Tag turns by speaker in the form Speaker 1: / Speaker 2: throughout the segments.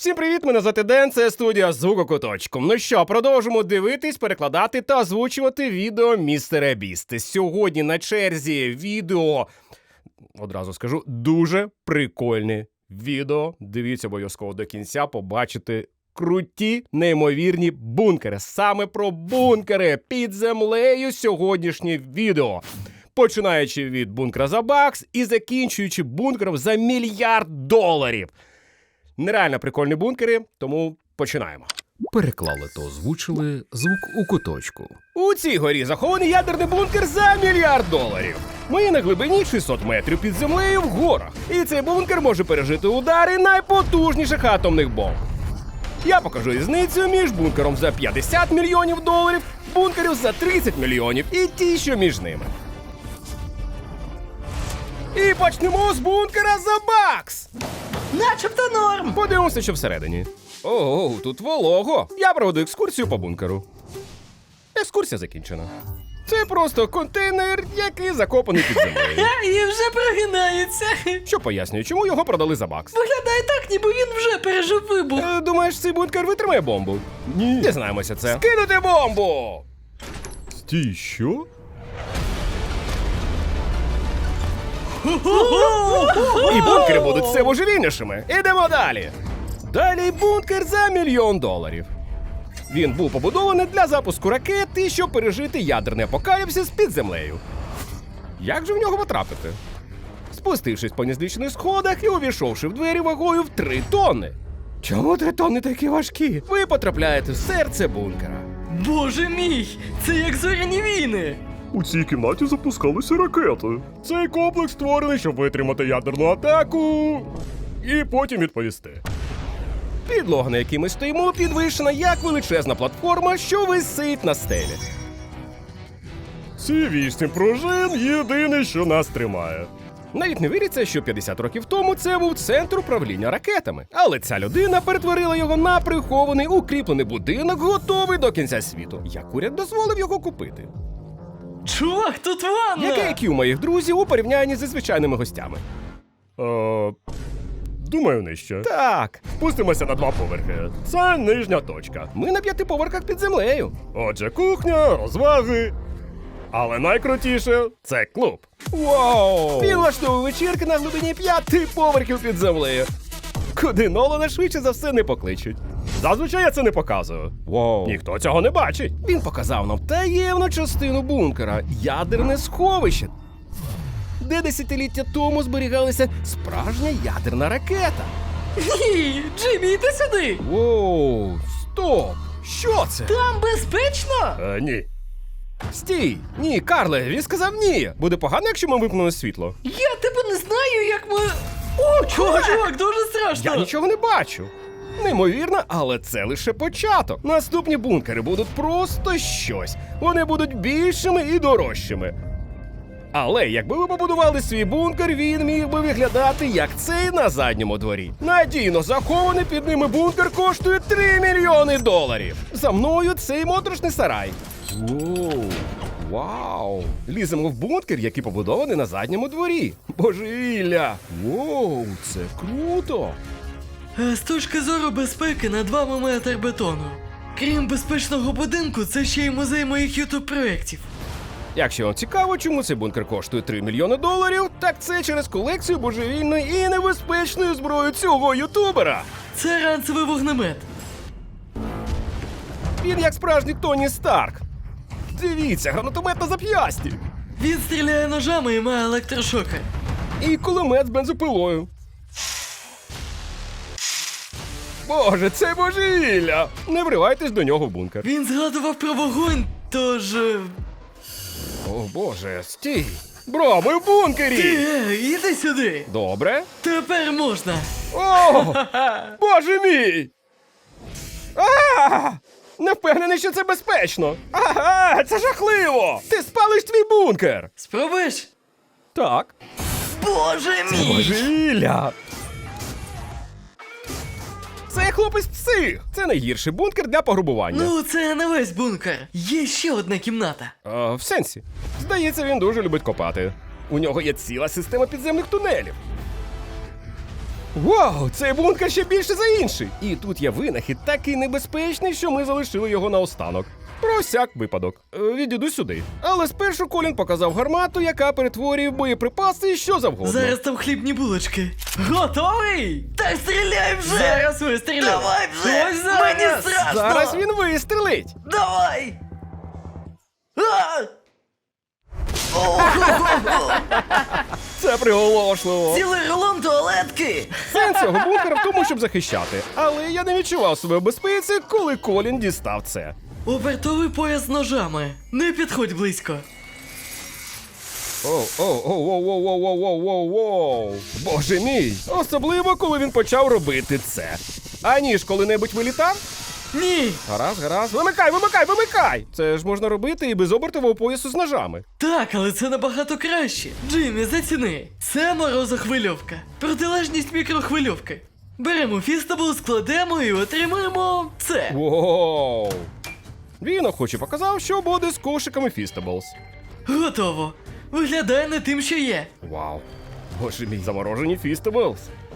Speaker 1: Всім привіт, мене звати Ден, це студія Звукокуточком. Ну що, продовжимо дивитись, перекладати та озвучувати відео Містера Бісти. Сьогодні на черзі відео, одразу скажу, дуже прикольне відео. Дивіться обов'язково до кінця, побачите круті, неймовірні бункери. Саме про бункери під землею сьогоднішнє відео. Починаючи від бункера за бакс і закінчуючи бункером за $1 мільярд. Нереально прикольні бункери, тому починаємо.
Speaker 2: Переклали та озвучили звук у куточку.
Speaker 1: У цій горі захований ядерний бункер за $1 мільярд. Ми на глибині 600 метрів під землею в горах. І цей бункер може пережити удари найпотужніших атомних бомб. Я покажу різницю між бункером за $50 мільйонів, бункерів за 30 мільйонів і ті, що між ними. І почнемо з бункера за бакс!
Speaker 3: Начебто норм.
Speaker 1: Подивимося, що всередині. Ого, тут волого. Я проведу екскурсію по бункеру. Екскурсія закінчена. Це просто контейнер, який закопаний під землею.
Speaker 3: І вже прогинається.
Speaker 1: Що пояснює, чому його продали за бакс.
Speaker 3: Виглядає так, ніби він вже пережив вибух.
Speaker 1: Думаєш, цей бункер витримає бомбу? Ні. Дізнаємося це. Скинути бомбу!
Speaker 2: Стій, що?
Speaker 1: І бункери будуть все божевільнішими. Ідемо далі. Далі бункер за $1 мільйон. Він був побудований для запуску ракет і щоб пережити ядерний апокаліпсис під землею. Як же в нього потрапити? Спустившись по незлічених сходах і увійшовши в двері вагою в 3 тонни. Чому 3 тонни такі важкі? Ви потрапляєте в серце бункера.
Speaker 3: Боже мій, це як зоряні війни.
Speaker 2: У цій кімнаті запускалися ракети.
Speaker 1: Цей комплекс створений, щоб витримати ядерну атаку і потім відповісти. Підлога, на якій ми стоїмо, підвищена як величезна платформа, що висить на стелі. Ці 8 пружин єдине, що нас тримає. Навіть не віриться, що 50 років тому це був центр управління ракетами. Але ця людина перетворила його на прихований, укріплений будинок, готовий до кінця світу. Як уряд дозволив його купити?
Speaker 3: Чувак, тут ванна.
Speaker 1: Яке IQ у моїх друзів у порівнянні зі звичайними гостями? Думаю, нижче. Так. Спустимося на 2 поверхи. Це нижня точка. Ми на 5 поверхах під землею. Отже, кухня, розваги. Але найкрутіше – це клуб. Вау! Він влаштовує вечірки на глибині 5 поверхів під землею. Куди Нолана швидше за все не покличуть. Зазвичай я це не показую. Вау. Ніхто цього не бачить. Він показав нам таємну частину бункера – ядерне сховище, де десятиліття тому зберігалася справжня ядерна ракета.
Speaker 3: Ні, Джиммі, йди сюди.
Speaker 1: Воу, стоп! Що це?
Speaker 3: Там безпечно?
Speaker 1: Ні. Стій! Ні, Карле, він сказав ні. Буде погано, якщо ми вимкнемо світло.
Speaker 3: Я тебе не знаю, як ми... О, чувак, дуже страшно.
Speaker 1: Я нічого не бачу. Неймовірно, але це лише початок. Наступні бункери будуть просто щось. Вони будуть більшими і дорожчими. Але якби ви побудували свій бункер, він міг би виглядати як цей на задньому дворі. Надійно захований під ними бункер коштує $3 мільйони. За мною цей моторошний сарай. Воу, вау! Ліземо в бункер, який побудований на задньому дворі. Божевілля! Воу, це круто!
Speaker 3: З точки зору безпеки на 2 мм бетону. Крім безпечного будинку, це ще й музей моїх ютуб-проєктів.
Speaker 1: Якщо вам цікаво, чому цей бункер коштує $3 мільйони, так це через колекцію божевільної і небезпечної зброї цього ютубера.
Speaker 3: Це ранцевий вогнемет.
Speaker 1: Він як справжній Тоні Старк. Дивіться, гранатомет на зап'ясті.
Speaker 3: Він стріляє ножами і має електрошокер.
Speaker 1: І кулемет з бензопилою. Боже, це божевілля! Не вривайтесь до нього в бункер.
Speaker 3: Він згадував про вогонь, тож...
Speaker 1: О, Боже, стій! Бро, ми в бункері!
Speaker 3: Іди сюди!
Speaker 1: Добре.
Speaker 3: Тепер можна!
Speaker 1: О! Боже мій! Не впевнений, що це безпечно! Ага, це жахливо! Ти спалиш твій бункер!
Speaker 3: Спробуєш?
Speaker 1: Так.
Speaker 3: Боже мій!
Speaker 1: Божевілля! Це хлопець псих! Це найгірший бункер для пограбування.
Speaker 3: Ну, це не весь бункер. Є ще одна кімната.
Speaker 1: В сенсі. Здається, він дуже любить копати. У нього є ціла система підземних тунелів. Вау, цей бункер ще більше за інший. І тут є винахід такий небезпечний, що ми залишили його наостанок. Про всяк випадок. Відійду сюди. Але спершу Колін показав гармату, яка перетворює в боєприпаси що завгодно.
Speaker 3: Зараз там хлібні булочки. Готовий? Так стріляй вже! Зараз вистріляй! Давай вже! Ось зараз! Мені страшно!
Speaker 1: Зараз він вистрелить.
Speaker 3: Давай!
Speaker 1: Це приголошливо.
Speaker 3: Цілий рулон туалетки!
Speaker 1: Сенс цього бункера в тому, щоб захищати. Але я не відчував себе в безпеці, коли Колін дістав це.
Speaker 3: Обертовий пояс з ножами. Не підходь близько.
Speaker 1: Оу. Боже мій. Особливо, коли він почав робити це. А ніж коли-небудь вилітав?
Speaker 3: Ні!
Speaker 1: Гаразд. Вимикай! Це ж можна робити і без обертового поясу з ножами.
Speaker 3: Так, але це набагато краще. Джиммі, заціни. Це морозохвильовка. Протилежність мікрохвильовки. Беремо фістабл, складемо і отримаємо це.
Speaker 1: Воу. Він охоче показав, що буде з кошиками Feastables.
Speaker 3: Готово. Виглядає не тим, що є.
Speaker 1: Вау. Боже мій, заморожені Feastables.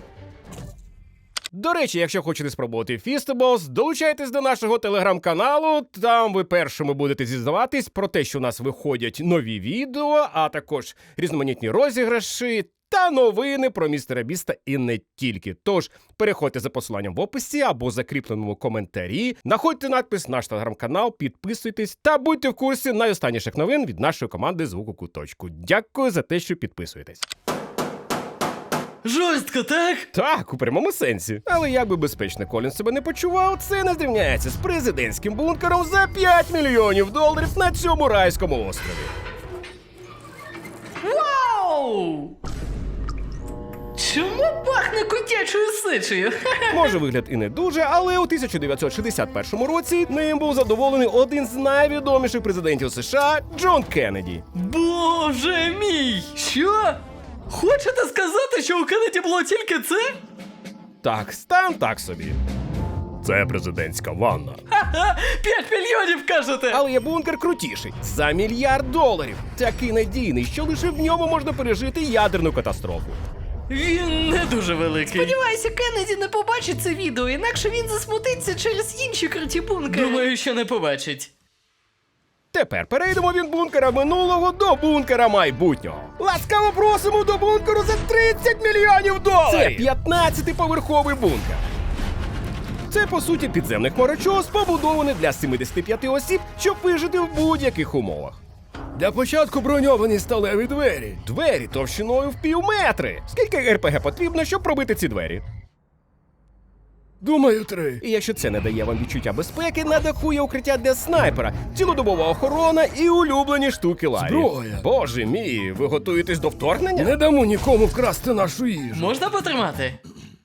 Speaker 1: До речі, якщо хочете спробувати Feastables, долучайтесь до нашого телеграм-каналу. Там ви першими будете дізнаватись про те, що у нас виходять нові відео, а також різноманітні розіграші та новини про містера Біста і не тільки. Тож, переходьте за посиланням в описі або закріпленому коментарі, знаходьте надпис «Наш телеграм-канал», підписуйтесь та будьте в курсі найостанніших новин від нашої команди «Звук у куточку». Дякую за те, що підписуєтесь.
Speaker 3: Жорстко, так?
Speaker 1: Так, у прямому сенсі. Але як би безпечно Колін себе не почував, це не зрівняється з президентським бункером за $5 мільйонів на цьому райському острові.
Speaker 3: Вау! Чому пахне котячою сичею?
Speaker 1: Може, вигляд і не дуже, але у 1961 році ним був задоволений один з найвідоміших президентів США Джон Кеннеді.
Speaker 3: Боже мій! Що? Хочете сказати, що у Кеннеді було тільки це?
Speaker 1: Так, стан так собі. Це президентська ванна.
Speaker 3: Ха-ха! 5 мільйонів, кажете!
Speaker 1: Але є бункер крутіший. За $1 мільярд. Такий надійний, що лише в ньому можна пережити ядерну катастрофу.
Speaker 3: Він не дуже великий.
Speaker 4: Сподіваюся, Кеннеді не побачить це відео, інакше він засмутиться через інші круті бункери.
Speaker 3: Думаю, що не побачить.
Speaker 1: Тепер перейдемо від бункера минулого до бункера майбутнього. Ласкаво просимо до бункеру за $30 мільйонів! Це 15-поверховий бункер. Це, по суті, підземний хмарочос, побудований для 75 осіб, щоб вижити в будь-яких умовах. Для початку броньовані сталеві двері. Двері товщиною в півметри. Скільки РПГ потрібно, щоб пробити ці двері? Думаю, 3. І якщо це не дає вам відчуття безпеки, на даху є укриття для снайпера, цілодобова охорона і улюблені штуки Ларі.
Speaker 2: Зброя.
Speaker 1: Боже мій, ви готуєтесь до вторгнення?
Speaker 2: Не дамо нікому вкрасти нашу їжу.
Speaker 3: Можна потримати?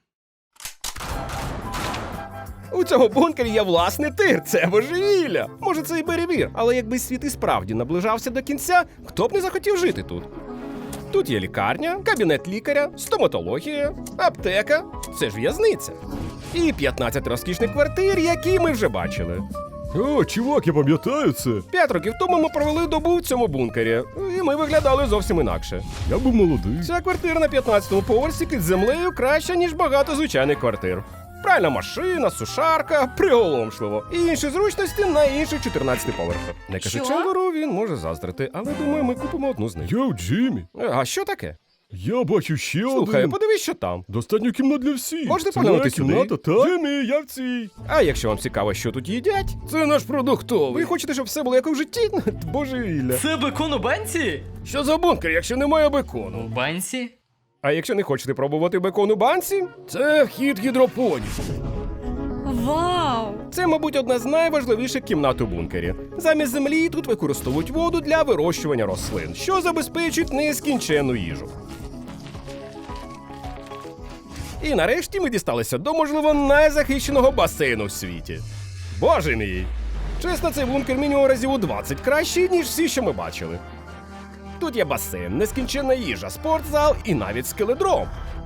Speaker 1: У цього бункері є власний тир, це божевілля. Може, це і перевір, але якби світ і справді наближався до кінця, хто б не захотів жити тут? Тут є лікарня, кабінет лікаря, стоматологія, аптека, це ж в'язниця. І 15 розкішних квартир, які ми вже бачили.
Speaker 2: О, чувак, я пам'ятаю це.
Speaker 1: 5 років тому ми провели добу в цьому бункері, і ми виглядали зовсім інакше.
Speaker 2: Я був молодий.
Speaker 1: Ця квартира на 15-му поверсі під землею краща, ніж багато звичайних квартир. Пральна машина, сушарка, приголомшливо. І інші зручності на інших 14 поверхах. Не кажи
Speaker 4: Що?
Speaker 1: Чендлеру, він може заздрити, але думаю, ми купимо одну з них.
Speaker 2: Йоу, Джиммі,
Speaker 1: А що таке?
Speaker 2: я бачу ще
Speaker 1: Слухай,
Speaker 2: один.
Speaker 1: подивись, що там.
Speaker 2: Достатньо кімнат для всіх.
Speaker 1: Можете
Speaker 2: Це
Speaker 1: поглянути
Speaker 2: моя
Speaker 1: сюди?
Speaker 2: кімната, так? Джиммі, я в цій.
Speaker 1: А якщо вам цікаво, що тут їдять, це наш продуктовий. Ви хочете, щоб все було як у житті? Божевілля.
Speaker 3: Це бекон у банці?
Speaker 1: Що за бункер, якщо немає бекону?
Speaker 3: У банці?
Speaker 1: А якщо не хочете пробувати бекон у банці, це вхід гідропонів.
Speaker 4: Вау!
Speaker 1: Це, мабуть, одна з найважливіших кімнат у бункері. Замість землі тут використовують воду для вирощування рослин, що забезпечить нескінченну їжу. І нарешті ми дісталися до, можливо, найзахищеного басейну в світі. Боже мій! Чесно, цей бункер мінімум разів у 20 кращий, ніж всі, що ми бачили. Тут є басейн, нескінченна їжа, спортзал і навіть скеледром.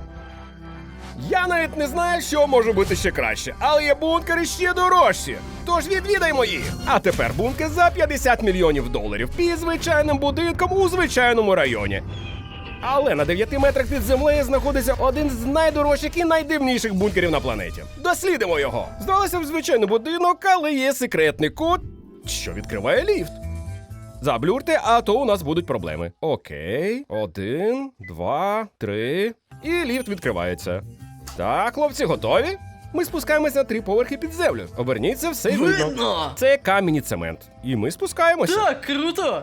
Speaker 1: Я навіть не знаю, що може бути ще краще, але є бункери ще дорожчі. Тож відвідаймо їх. А тепер бункер за $50 мільйонів під звичайним будинком у звичайному районі. Але на 9 метрах під землею знаходиться один з найдорожчих і найдивніших бункерів на планеті. Дослідимо його. Здалося б звичайний будинок, але є секретний код, що відкриває ліфт. Заблюрте, а то у нас будуть проблеми. Окей. 1, 2, 3. І ліфт відкривається. Так, хлопці, готові? Ми спускаємося на 3 поверхи під землю. Оберніться, все й видно.
Speaker 3: Видно!
Speaker 1: Це камінь і цемент. І ми спускаємося.
Speaker 3: Так, круто!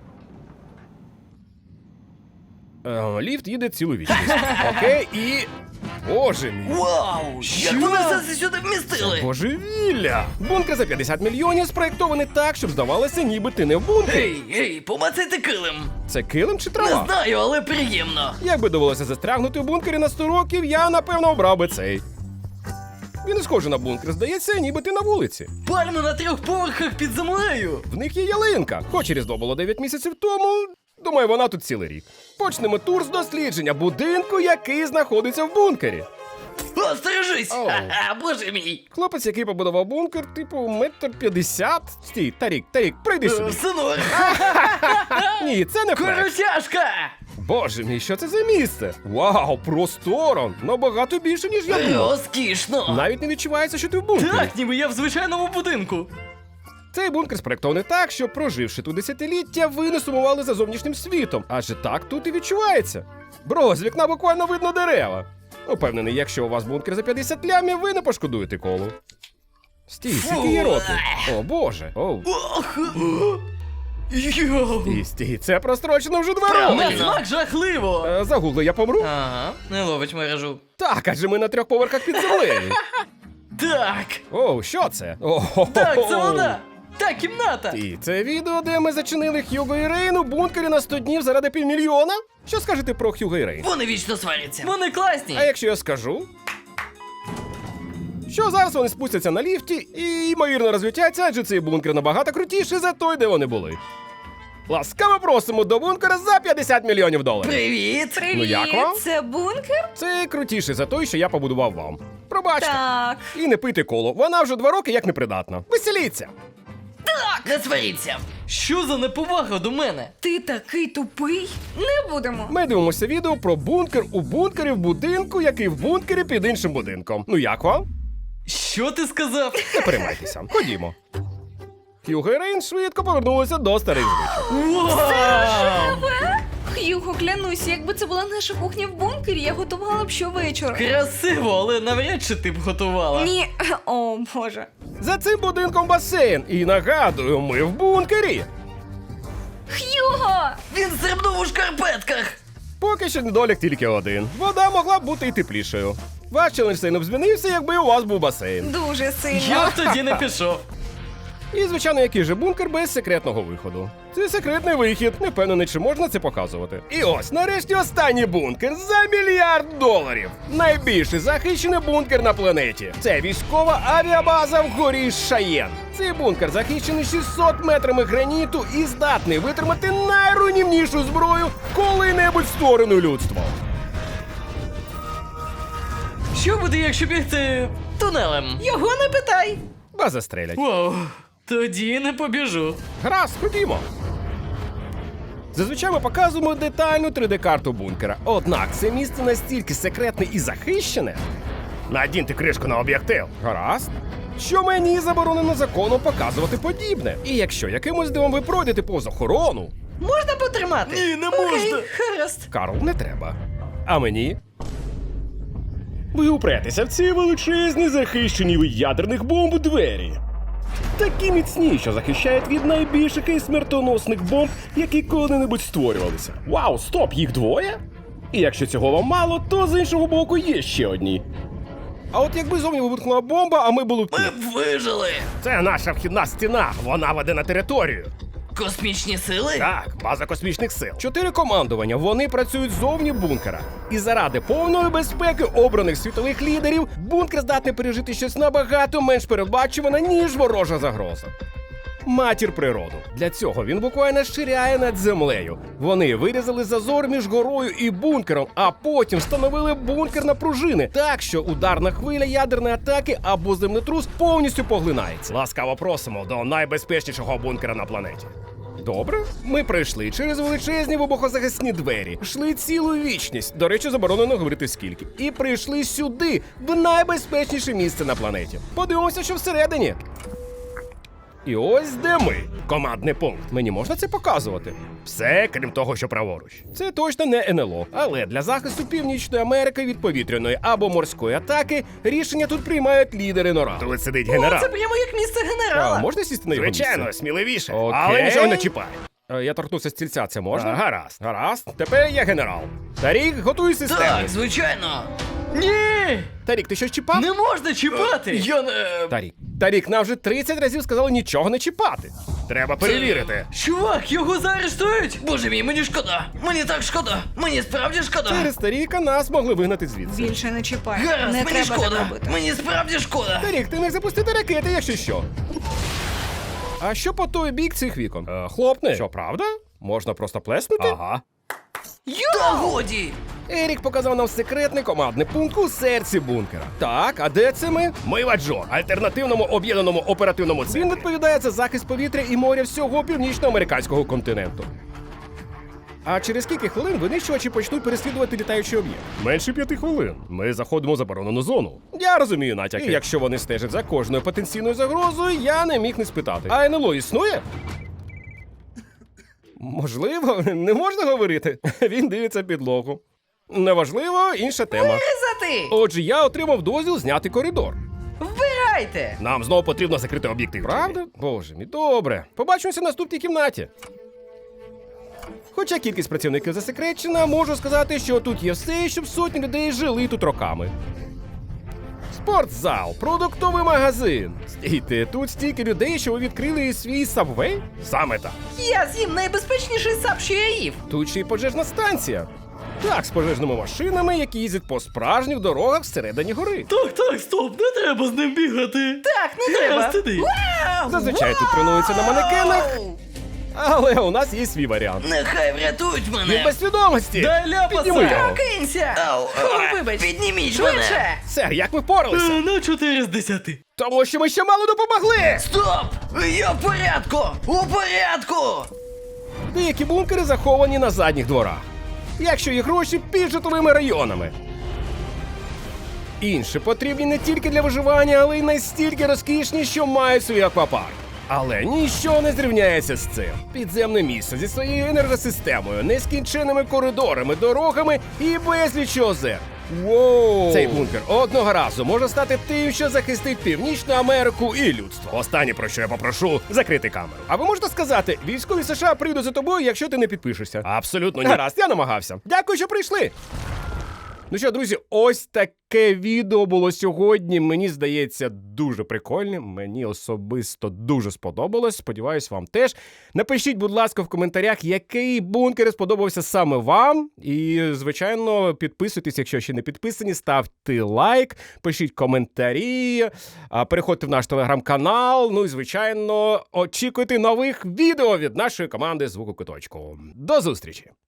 Speaker 1: Ліфт їде цілу вічність. Окей, і... Боже мій.
Speaker 3: Вау! Як вони все це сюди вмістили?
Speaker 1: Божевілля! Бункер за 50 мільйонів спроєктований так, щоб здавалося, ніби ти не в бункері.
Speaker 3: Ей, помацайте килим!
Speaker 1: Це килим чи
Speaker 3: Не
Speaker 1: трава?
Speaker 3: знаю, але приємно.
Speaker 1: Якби довелося застрягнути в бункері на 100 років, я, напевно, обрав би цей. Він не схожий на бункер, здається, ніби ти на вулиці.
Speaker 3: Пальми на 3 поверхах під землею.
Speaker 1: В них є ялинка. Хоч і Різдво було 9 місяців тому, думаю, вона тут цілий рік. Почнемо тур з дослідження будинку, який знаходиться в бункері.
Speaker 3: О, стережись!
Speaker 1: Оу.
Speaker 3: Ха-ха, боже мій!
Speaker 1: Хлопець, який побудував бункер, типу, 1,50 м. Стій, Тарік, прийди сюди.
Speaker 3: Синор!
Speaker 1: Ні, це не флекс.
Speaker 3: Коротяшка!
Speaker 1: Боже мій, що це за місце? Вау, просторо! Набагато більше, ніж я думав.
Speaker 3: Розкішно!
Speaker 1: Навіть не відчувається, що ти в бункері.
Speaker 3: Так, ніби я в звичайному будинку.
Speaker 1: Цей бункер спроєктований так, що, проживши тут десятиліття, ви не сумували за зовнішнім світом. Адже так тут і відчувається. Бро, з вікна буквально видно дерева. Упевнений, якщо у вас бункер за 50 лямів, ви не пошкодуєте колу. Стій, скільки є років? О, боже. Оу.
Speaker 3: Ох! Йоу!
Speaker 1: Стій, це прострочено вже 2
Speaker 3: На
Speaker 1: роки.
Speaker 3: смак жахливо!
Speaker 1: Загугли, я помру?
Speaker 3: Ага, не ловить мережу.
Speaker 1: Так, адже ми на 3 поверхах під землею.
Speaker 3: Так!
Speaker 1: Оу, що це?
Speaker 3: Так, це вона! Та кімната!
Speaker 1: І це відео, де ми зачинили Хьюго і Рейн у бункері на 100 днів заради півмільйона? Що скажете про Хьюго і Рейн?
Speaker 3: Вони вічно сваряться. Вони класні!
Speaker 1: А якщо я скажу, що зараз вони спустяться на ліфті і, ймовірно, розлютяться, адже цей бункер набагато крутіший за той, де вони були. Ласкаво просимо до бункера за 50 мільйонів доларів.
Speaker 3: Привіт!
Speaker 5: Привіт,
Speaker 1: Ну, як вам?
Speaker 5: це бункер?
Speaker 1: Це крутіший за той, що я побудував вам. Пробачте.
Speaker 5: Так.
Speaker 1: І не пийте коло, вона вже 2 роки як непридатна. Веселіться!
Speaker 3: Не сваріться! Що за неповага до мене?
Speaker 5: Ти такий тупий? Не будемо.
Speaker 1: Ми дивимося відео про бункер у бункері в будинку, який в бункері під іншим будинком. Ну як вам?
Speaker 3: Що ти сказав?
Speaker 1: Не переймайтеся. Ходімо. Хьюго і Рейн швидко повернулися до старих звичок.
Speaker 3: Вау!
Speaker 5: Х'юго, клянусь, якби це була наша кухня в бункері, я готувала б щовечора.
Speaker 3: Красиво, але навряд чи ти б готувала.
Speaker 5: Ні, о боже.
Speaker 1: За цим будинком басейн. І нагадую, ми в бункері.
Speaker 5: Х'юго!
Speaker 3: Він стрибнув у шкарпетках!
Speaker 1: Поки що недолік тільки один. Вода могла б бути і теплішою. Ваш челендж сильно б змінився, якби у вас був басейн.
Speaker 5: Дуже сильно.
Speaker 3: Я б тоді не пішов.
Speaker 1: І, звичайно, який же бункер без секретного виходу. Це секретний вихід, не впевнений, чи можна це показувати. І ось, нарешті, останній бункер за $1 мільярд. Найбільший захищений бункер на планеті. Це військова авіабаза в горі Шаєн. Цей бункер захищений 600 метрами граніту і здатний витримати найруйнівнішу зброю, коли-небудь створену людством.
Speaker 3: Що буде, якщо бігти тунелем?
Speaker 5: Його не питай.
Speaker 1: Вас застрелять.
Speaker 3: Вау, тоді не побіжу.
Speaker 1: Гаразд, ходімо. Зазвичай ми показуємо детальну 3D-карту бункера. Однак це місце настільки секретне і захищене. Надіньте кришку на об'єктив. Гаразд. Що мені заборонено законом показувати подібне. І якщо якимось дивом ви пройдете повз охорону,
Speaker 3: Можна потримати? Ні, не
Speaker 5: Окей, гаразд.
Speaker 1: Карл, не треба. А мені? Ви упретеся в ці величезні захищені від ядерних бомб двері. Такі міцні, що захищають від найбільших і смертоносних бомб, які коли-небудь створювалися. Вау, стоп, їх 2? І якщо цього вам мало, то з іншого боку є ще одні. А от якби зовні вибухнула бомба, а ми були б тут.
Speaker 3: Ми б вижили.
Speaker 1: Це наша вхідна стіна, вона веде на територію.
Speaker 3: Космічні сили?
Speaker 1: Так, база космічних сил. 4 командування, вони працюють зовні бункера. І заради повної безпеки обраних світових лідерів, бункер здатний пережити щось набагато менш передбачуване, ніж ворожа загроза. Матір природу. Для цього він буквально ширяє над землею. Вони вирізали зазор між горою і бункером, а потім встановили бункер на пружини, так що ударна хвиля ядерної атаки або землетрус повністю поглинається. Ласкаво просимо до найбезпечнішого бункера на планеті. Добре. Ми пройшли через величезні вибухозахисні двері, йшли цілу вічність, до речі, заборонено говорити скільки, і прийшли сюди, в найбезпечніше місце на планеті. Подивимося, що всередині. І ось де ми. Командний пункт. Мені можна це показувати? Все, крім того, що праворуч. Це точно не НЛО. Але для захисту Північної Америки від повітряної або морської атаки рішення тут приймають лідери НОРАД. Тут сидить генерал.
Speaker 4: Це прямо як місце
Speaker 1: А,
Speaker 4: генерала.
Speaker 1: можна сісти на його
Speaker 6: Звичайно,
Speaker 1: місце?
Speaker 6: сміливіше.
Speaker 1: Окей.
Speaker 6: Але нічого не чіпай.
Speaker 1: Я торкнувся стільця, це можна?
Speaker 6: Гаразд.
Speaker 1: Гаразд. Тепер я генерал. Тарік, готуй систему.
Speaker 3: Так, звичайно. Ні!
Speaker 1: Тарік, ти щось чіпав?
Speaker 3: Не можна чіпати! Я не...
Speaker 1: Тарік, нам вже 30 разів сказали нічого не чіпати.
Speaker 6: Треба перевірити.
Speaker 3: Чувак, його заарештують! Боже мій, мені шкода! Мені так шкода! Мені справді шкода!
Speaker 1: Через Таріка нас могли вигнати звідси.
Speaker 5: Більше не чіпай.
Speaker 3: Гаразд,
Speaker 5: Не
Speaker 3: мені
Speaker 5: треба так
Speaker 3: шкода!
Speaker 5: робити.
Speaker 3: Мені справді шкода!
Speaker 1: Тарік, ти міг запустити ракети, якщо що. А що по той бік цих вікон? Хлопне. Що, правда? Можна просто плеснути?
Speaker 6: Ага.
Speaker 3: Та годі!
Speaker 1: Ерік показав нам секретний командний пункт у серці бункера. Так, а де це ми?
Speaker 6: Ми в Аджо, альтернативному об'єднаному оперативному
Speaker 1: Він
Speaker 6: центрі.
Speaker 1: відповідає за захист повітря і моря всього північноамериканського континенту. А через кілька хвилин винищувачі почнуть переслідувати літаючий об'єкт.
Speaker 6: Менше 5 хвилин. Ми заходимо в заборонену зону.
Speaker 1: Я розумію натяки.
Speaker 6: І
Speaker 1: І якщо вони стежать за кожною потенційною загрозою, я не міг не спитати. А НЛО існує? Можливо, не можна говорити. Він дивиться підлогу. Неважливо, інша тема.
Speaker 4: Ризати!
Speaker 1: Отже, я отримав дозвіл зняти коридор.
Speaker 4: Вбирайте!
Speaker 6: Нам знову потрібно закрити об'єктив.
Speaker 1: Правда? Боже мій, добре. Побачимося в наступній кімнаті. Хоча кількість працівників засекречена, можу сказати, що тут є все, щоб сотні людей жили тут роками. Спортзал, продуктовий магазин. Стійте, тут стільки людей, що ви відкрили свій сабвей?
Speaker 6: Саме так.
Speaker 4: Я з'їм найбезпечніший сап, що я їв.
Speaker 1: Тут ще й пожежна станція. Так, з пожежними машинами, які їздять по справжніх дорогах всередині гори.
Speaker 3: Так, стоп, не треба з ним бігати!
Speaker 4: Так, не треба.
Speaker 3: Гаразд, іди.
Speaker 4: Вау!
Speaker 1: Зазвичай тут тренуються на манекенах, але у нас є свій варіант.
Speaker 3: Нехай врятують
Speaker 1: Він
Speaker 3: мене!
Speaker 1: без свідомості!
Speaker 3: Дай ляпаса!
Speaker 1: Підніми його!
Speaker 4: Прокинься! Вибач,
Speaker 3: Підніміть
Speaker 4: швидше!
Speaker 1: Сер, як ми впоралися?
Speaker 3: На 4 з 10.
Speaker 1: Тому що ми ще мало допомогли!
Speaker 3: Стоп! Я в порядку! У порядку!
Speaker 1: Деякі бункери заховані на задніх дворах. Якщо є гроші під житловими районами. Інші потрібні не тільки для виживання, але й настільки розкішні, що мають свій аквапарк. Але ніщо не зрівняється з цим. Підземне місце зі своєю енергосистемою, нескінченними коридорами, дорогами і безліч озер. Воу! Цей бункер одного разу може стати тим, що захистить Північну Америку і людство.
Speaker 6: Останнє, про що я попрошу, закрити камеру.
Speaker 1: А ви можете сказати, військові США прийдуть за тобою, якщо ти не підпишешся?
Speaker 6: Абсолютно ні.
Speaker 1: Гаразд, я намагався. Дякую, що прийшли. Ну що, друзі, ось таке відео було сьогодні. Мені здається, дуже прикольним. Мені особисто дуже сподобалось. Сподіваюсь, вам теж. Напишіть, будь ласка, в коментарях, який бункер сподобався саме вам. І, звичайно, підписуйтесь, якщо ще не підписані, ставте лайк, пишіть коментарі, переходьте в наш телеграм-канал. Ну і, звичайно, очікуйте нових відео від нашої команди «Звуку Куточку». До зустрічі!